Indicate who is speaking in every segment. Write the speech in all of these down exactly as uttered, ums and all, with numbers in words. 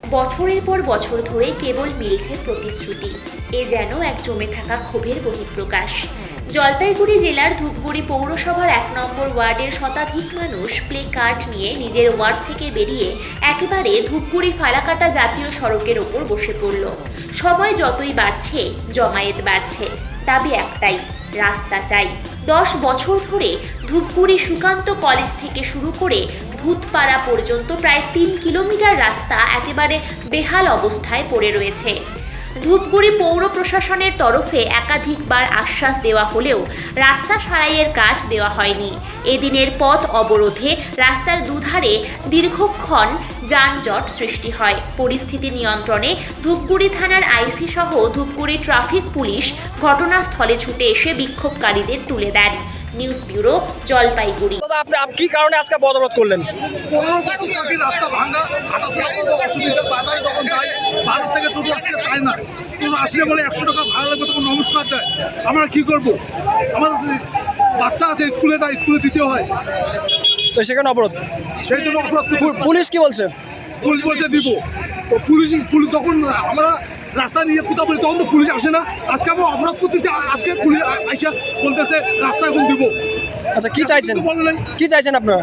Speaker 1: বছরের পর বছর ধরে কেবল মিলছে প্রতিশ্রুতি। এ যেন এক জমে থাকা ক্ষোভের বহিঃপ্রকাশ। জলপাইগুড়ি জেলার ধূপগুড়ি পৌরসভার এক নম্বর ওয়ার্ডের শতাধিক মানুষ প্লে কার্ড নিয়ে নিজের ওয়ার্ড থেকে বেরিয়ে একেবারে ধূপগুড়ি ফালাকাটা জাতীয় সড়কের ওপর বসে পড়ল। সময় যতই বাড়ছে জমায়েত বাড়ছে, দাবি একটাই, রাস্তা চাই। দশ বছর ধরে ধূপগুড়ি সুকান্ত কলেজ থেকে শুরু করে ভূতপাড়া পর্যন্ত প্রায় তিন কিলোমিটার রাস্তা একেবারে বেহাল অবস্থায় পড়ে রয়েছে। ধূপগুড়ি পৌর প্রশাসনের তরফে একাধিকবার আশ্বাস দেওয়া হলেও রাস্তা সারাইয়ের কাজ দেওয়া হয়নি। এদিনের পথ অবরোধে রাস্তার দুধারে দীর্ঘক্ষণ যানজট সৃষ্টি হয়। পরিস্থিতি নিয়ন্ত্রণে ধূপগুড়ি থানার আইসি সহ ধূপগুড়ি ট্রাফিক পুলিশ ঘটনাস্থলে ছুটে এসে বিক্ষোভকারীদের তুলে দেন। News bureau, Jalpaiguri.
Speaker 2: আপনি কি কারণে আজকে অবরোধ করলেন?
Speaker 3: পনেরো বছর থাকি রাস্তা ভাঙা, হাঁটাচলা করতে অসুবিধা, বাজারে যখন যাই বাজার থেকে টোটো আসতে চায় না, টোটো আসলে বলে একশো টাকা ভাড়া লাগবে, তখন নমস্কার দেয়। আমরা কি করবো? আমাদের বাচ্চা আছে, স্কুলে যায়, স্কুলে দিতে হয়,
Speaker 2: তো সেখানে অবরোধ,
Speaker 3: সেই জন্য অপরাধ।
Speaker 2: পুলিশ কি বলছে?
Speaker 3: পুলিশ বলছে দিব, তো পুলিশ পুলিশ যখন আমরা রাস্তা নিয়ে কোথাও বলি তখন তো পুলিশ আসে না। আজকে আমরা অপরাধ করতেছি, আজকে পুলিশ আইসা বলতেছে রাস্তা এখন দিব।
Speaker 2: আচ্ছা, কি চাইছেন? কি চাইছেন আপনারা?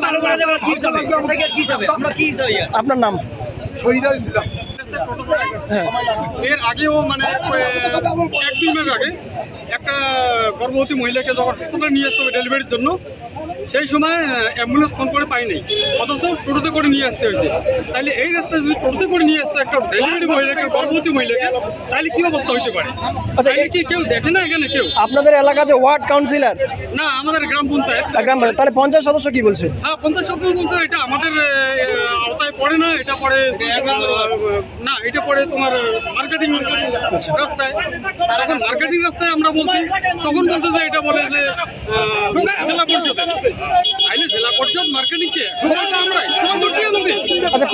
Speaker 2: আপনার নাম?
Speaker 3: শহীদার ইসলাম।
Speaker 2: হ্যাঁ,
Speaker 4: এর আগেও মানে এক দুই মাস আগে একটা গর্ভবতী মহিলাকে যখন হাসপাতালে নিয়ে আসতে হবে ডেলিভারির জন্য, সেই সময় অ্যাম্বুলেন্স ফোন করে পাই নাই, অথচ টোটোতে করে নিয়ে আসতে হয়েছে। তাহলে এই রাস্তায় যদি টোটোতে করে নিয়ে আসতে একটা ডেলিভারি মহিলাকে, গর্ভবতী মহিলাকে, তাহলে কি অবস্থা হইতে পারে?
Speaker 2: আচ্ছা,
Speaker 4: তাহলে কি কেউ দেখে না এখানে? কেউ
Speaker 2: আপনাদের এলাকা যে ওয়ার্ড কাউন্সিলর
Speaker 4: না, আমাদের গ্রাম পঞ্চায়েত
Speaker 2: গ্রাম পঞ্চায়েত, তাহলে পঞ্চায়েত সদস্য কি বলছে?
Speaker 4: হ্যাঁ, পঞ্চাশ সদস্য বলছে এটা আমাদের আহ, আওতায় পড়ে না, এটা পড়ে না, এটা পড়ে তোমার মার্কেটিং রাস্তায়। তখন মার্কেটিং রাস্তায় আমরা বলছি, তখন বলছে যে এটা বলে যে আহ, জেলা পরিষদ। তাইলে জেলা পরিষদ মার্কেটিং কে? আমরাই